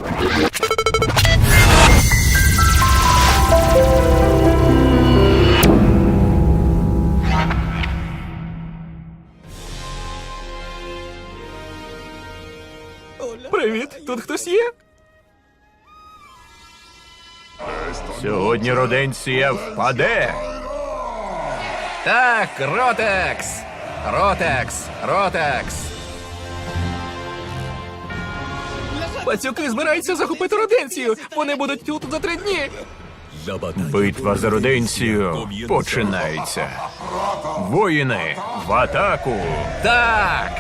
Привіт, тут хтось є? Сьогодні Роденція впаде. Так, Ротекс! Ротекс! Ротекс! Пацюки збираються захопити Роденцію! Вони будуть тут за 3 дні! Битва за Роденцію починається. Воїни, в атаку! Так!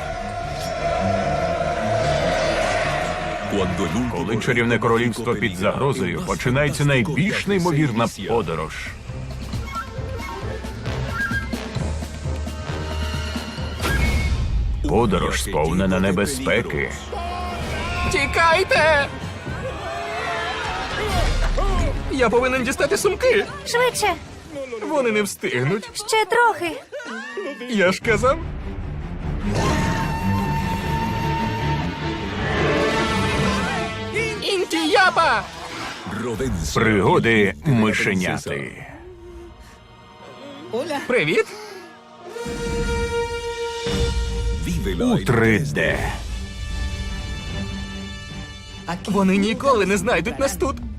Коли чарівне королівство під загрозою, починається найбільш неймовірна подорож. Подорож сповнена небезпеки. Тікайте! Я повинен дістати сумки! Швидше! Вони не встигнуть. Ще трохи! Я ж казав. Інтіяпа! Пригоди мишеняти. Привіт! У 3D. Вони ніколи не знайдуть нас тут.